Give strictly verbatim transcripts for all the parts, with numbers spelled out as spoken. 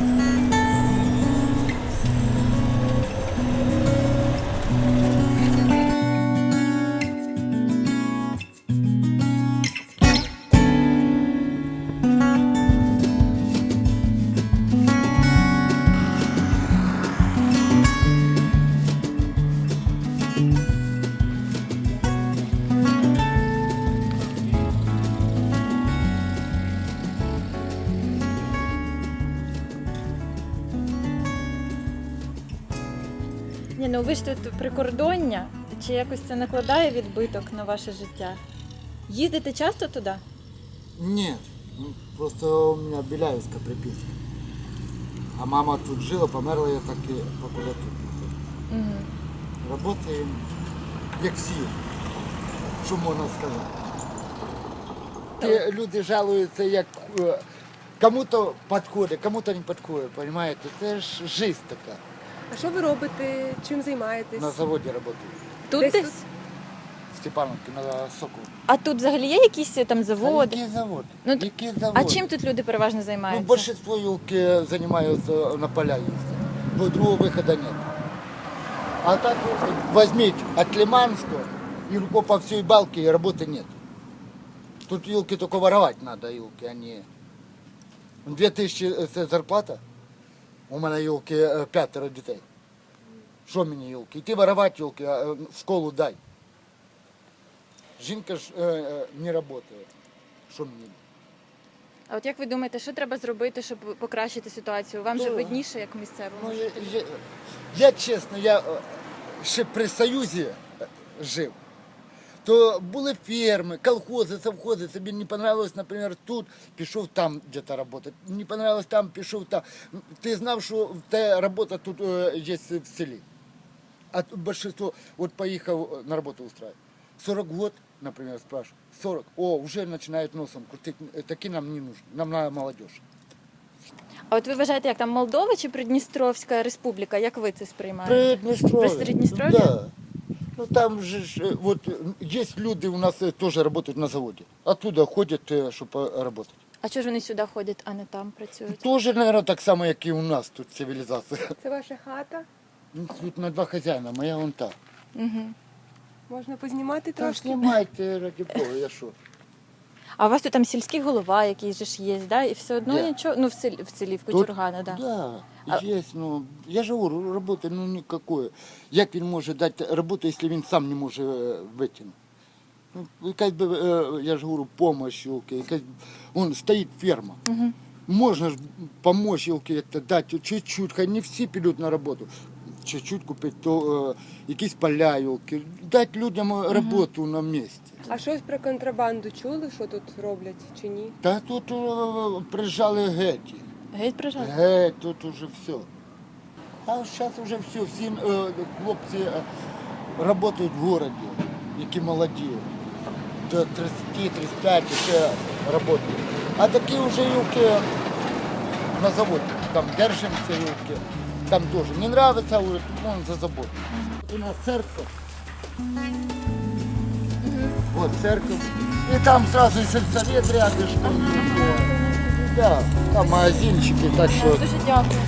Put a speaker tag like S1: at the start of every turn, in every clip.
S1: Ні, ну ви ж тут прикордоння, чи якось це накладає відбиток на ваше життя? Їздите часто туди?
S2: Нет, ну, просто у меня Беляевская приписка. А мама тут жила, померла, я так і покуда тут.
S1: Угу.
S2: Работаємо, як всі, що можна сказати. Ті люди жалуються, як е, кому-то підходить, кому-то не підходить, розумієте? Це ж життя така.
S3: А що ви робите? Чим займаєтесь?
S2: На заводі працюю.
S1: Тут
S3: Десь
S1: десь?
S3: тут?
S2: В Степановці, на Соколу.
S1: А тут взагалі є якісь там заводи?
S2: Який завод?
S1: Ну, т-
S2: Який завод?
S1: А чим тут люди переважно
S2: Ну,
S1: займаються?
S2: большинство елки занимаются на поля ездят. Бо другого выхода нет. А так возьмите от Лиманского и руко по всей балке, и работы нет. Тут елки только воровать надо, елки, а не... Две тысячи это зарплата. У меня елки пятеро детей. Что мне елки? Идти воровать елки, а в школу дай. Жінка ж э, э, не работает. Что мне?
S1: А от як ви думаєте, що треба зробити, щоб покращити ситуацію? Вам же
S2: Ну,
S1: видніше, як місцевому?
S2: Ну, я, я, я чесно, я е, ще при Союзі е, жив. То були ферми, колхози, совхози. Тобі не понравилось, наприклад, тут, пішов там десь працювати. Не понравилось там, пішов там. Ти знав, що та робота тут е, є в селі. А тут большинство, от поїхав на роботу устраивать. сорок год, наприклад, спрашиваю. сорок. О, вже починають носом крутити. Такі нам не нужны. Нам надо молодежь.
S1: А от ви вважаєте, як там Молдова чи Придністровська республіка? Як ви це сприймаєте?
S2: Приднестровье.
S1: Приднестровье?
S2: Да. Ну там же ж, э, вот э, есть люди у нас э, тоже работают на заводе. Оттуда ходят, э, чтобы работать.
S1: А чого ж вони сюди ходять, а не там працюють?
S2: Тоже, наверное, так само, як і у нас тут цивілізація.
S3: Це ваша хата?
S2: Ну, тут на два хазяїна, моя вон та.
S1: Угу.
S3: Можна познімати
S2: Та
S3: трошки?
S2: знімайте, раді Бога, я що.
S1: А у вас тут там сільський голова якийсь же ж є, да? І все одно
S2: Де?
S1: нічого, ну в селі, в селі, в
S2: Тут?
S1: Кучургана, да.
S2: Да,
S1: А-
S2: есть, ну, я же говорю, роботи, ну, никакої. Як він може дати роботу, якщо він сам не може е, витягнути? Ну, якась би, е, я ж говорю, помощь, елки, якась, вон стоїть ферма.
S1: Угу.
S2: Можно же помочь елки як-то дати чуть-чуть, хай не всі підуть на роботу. Чуть-чуть купити, то е, якісь поля, елки, дати людям роботу на місці.
S3: А щось про контрабанду чули, що тут роблять чи ні?
S2: Та тут е, приїжджали геть.
S1: Геть прижали?
S2: Геть, тут уже все. А зараз вже все, всі е, хлопці е, працюють в городі, які молоді. До тридцять тридцять п'ять ще працюють. А такі вже юки на заводі. Там держимося юки. Там теж не подобається, говорить, вон за забор. У нас церковь. Вот церковь. И там сразу сельсовет рядышком. Да, там магазинчики, так что...
S1: Дуже дякую.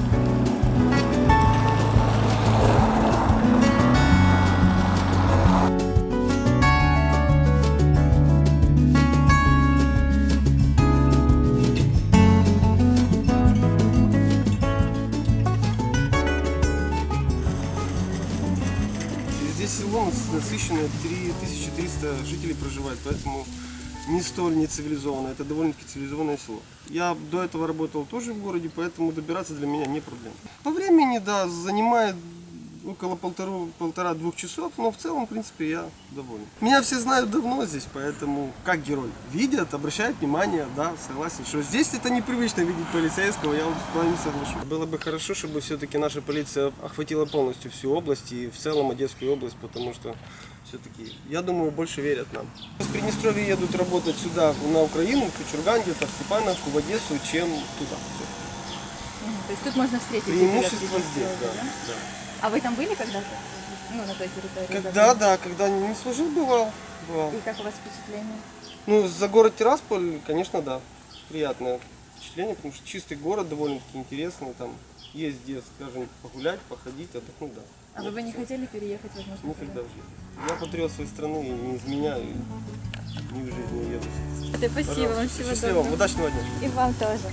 S4: Здесь село насыщенное, три тысячи триста жителей проживает, поэтому не столь нецивилизованное, это довольно-таки цивилизованное село. Я до этого работал тоже в городе, поэтому добираться для меня не проблема. По времени, да, занимает около полтору, полтора-двух часов, но в целом, в принципе, я доволен. Меня все знают давно здесь, поэтому как герой. Видят, обращают внимание, да, согласен, что здесь это непривычно видеть полицейского, я вот с вами соглашусь. Было бы хорошо, чтобы все-таки наша полиция охватила полностью всю область и в целом Одесскую область, потому что все-таки, я думаю, больше верят нам. Из Приднестровья едут работать сюда, на Украину, в Кучурган, где-то в Степановку, в Одессу, чем туда. Всё.
S1: То есть тут можно встретить
S4: Преимущество
S1: жителей
S4: здесь, да.
S1: Приднестровья,
S4: да.
S1: А вы там были когда-то? Ну, на той территории?
S4: Когда, да, когда не служил, бывал. бывал.
S1: И как у вас впечатление?
S4: Ну, за город Тирасполь, конечно, да, приятно. впечатление, потому что чистый город довольно-таки интересный, там есть где, скажем, погулять, походить, отдохнуть, да.
S1: А вы бы не хотели переехать, возможно?
S4: Никогда в жизни. Я патриот своей страны, и не изменяю, и ни в жизни не еду.
S1: Да, спасибо вам,
S4: Пожалуйста.
S1: всего
S4: Счастливо вам,
S1: доброго.
S4: удачного дня.
S1: И вам тоже.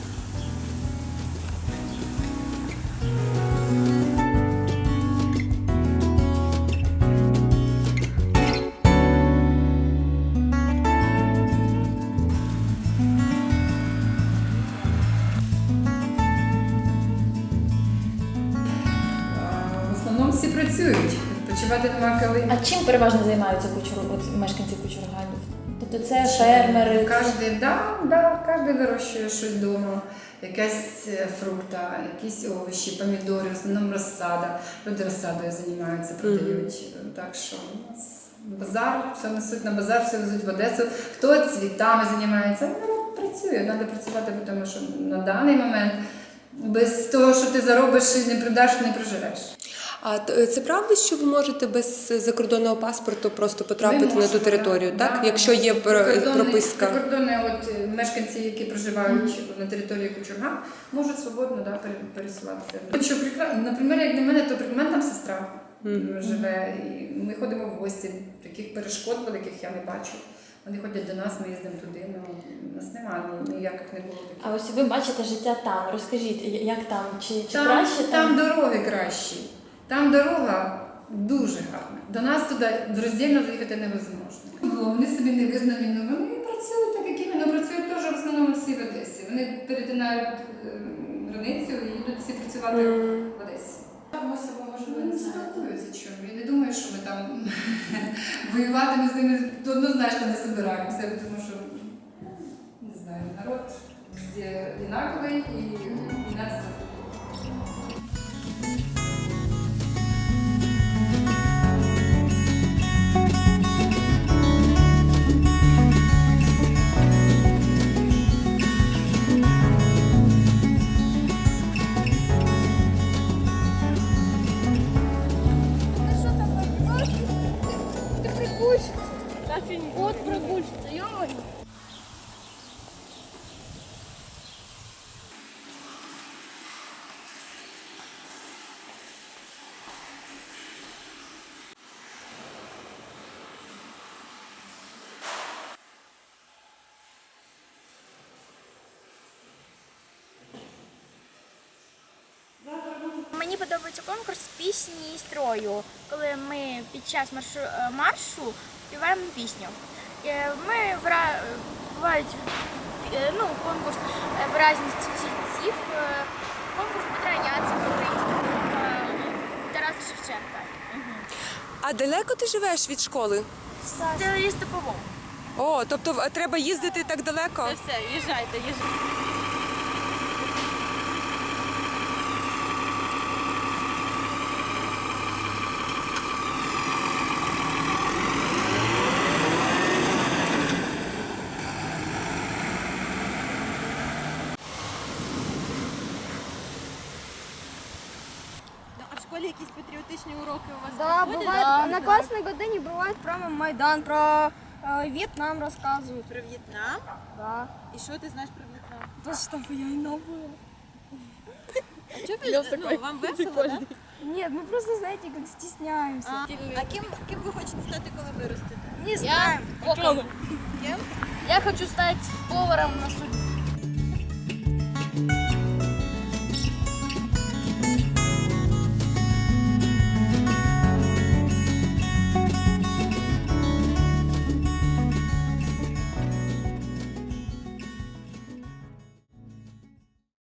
S5: В основному всі працюють, відпочивати нема коли.
S1: А чим переважно займаються кучур... от мешканці Кучургану? Тобто це фермери?
S5: Кожен, да, да, кожен вирощує щось вдома, якась е, фрукта, якісь овочі, помідори, в основному розсада. Люди розсадою займаються, продають. Так що у нас базар, все несуть на базар, все везуть в Одесу. Хто цвітами займається, ну, працює, треба працювати, тому що на даний момент без того, що ти заробиш і не продаш, не проживеш.
S3: А т- це правда, що ви можете без закордонного паспорту просто потрапити
S5: Ми
S3: на ту
S5: можемо,
S3: територію,
S5: да,
S3: так?
S5: да.
S3: Якщо є пр-
S5: Прикордонні-
S3: прописка.
S5: Прикордонні от, е, мешканці, які проживають на території Кучурга, можуть свободно да, пере- пересуватися. Що прикра- Наприклад, як для мене, то в мене там сестра
S3: Мгм.
S5: живе, і ми ходимо в гості. Таких перешкод великих я не бачу. Вони ходять до нас, ми їздимо туди. Ну, у нас немає ніяких не було таких.
S1: А ось ви бачите життя там. Розкажіть, я- як там? Чи, чи
S5: Там,
S1: краще
S5: там дороги кращі. Там дорога дуже гарна. До нас туди роздільно заїхати невозможно. Вони собі не визнані, але вони працюють так, як і ми. Ну, працюють теж в основному всі в Одесі. Вони перетинають е, границю і йдуть всі працювати в Одесі. Там ось може вони не спілкуються чому. Я не думаю, що ми там воювати ми з ними однозначно не збираємося, тому що не знаю, народ везде однаковий і війна це закон.
S6: Ты прогульщица. Вот прогульщица, ё-моё. Мені подобається конкурс пісні і строю, коли ми під час маршу, е, маршу співаємо пісню. Е, Ми вра... бувають е, ну, конкурс е, виразність чітців, е, конкурс Петра Яцика, українського е, Тараса Шевченка.
S3: А далеко ти живеш від школи?
S6: Це лістопово.
S3: О, тобто в- треба їздити так далеко?
S1: все, їжджайте, їжджайте. А в школі якісь патріотичні уроки у вас
S7: Да,
S1: проходять?
S7: бывает, на классной године бывает прямо Майдан, про э, Вьетнам рассказывают.
S1: Про В'єтнам?
S7: Да.
S1: І що ти знаєш про В'єтнам?
S7: Потому что я и новая.
S1: А чого ви, ну, вам весело, так?
S7: Нет, мы просто, знаете, как стесняемся.
S1: А, а ким, ким ви хочете стати, коли виростете?
S7: Не знаю.
S6: Я хочу стать поваром на суде.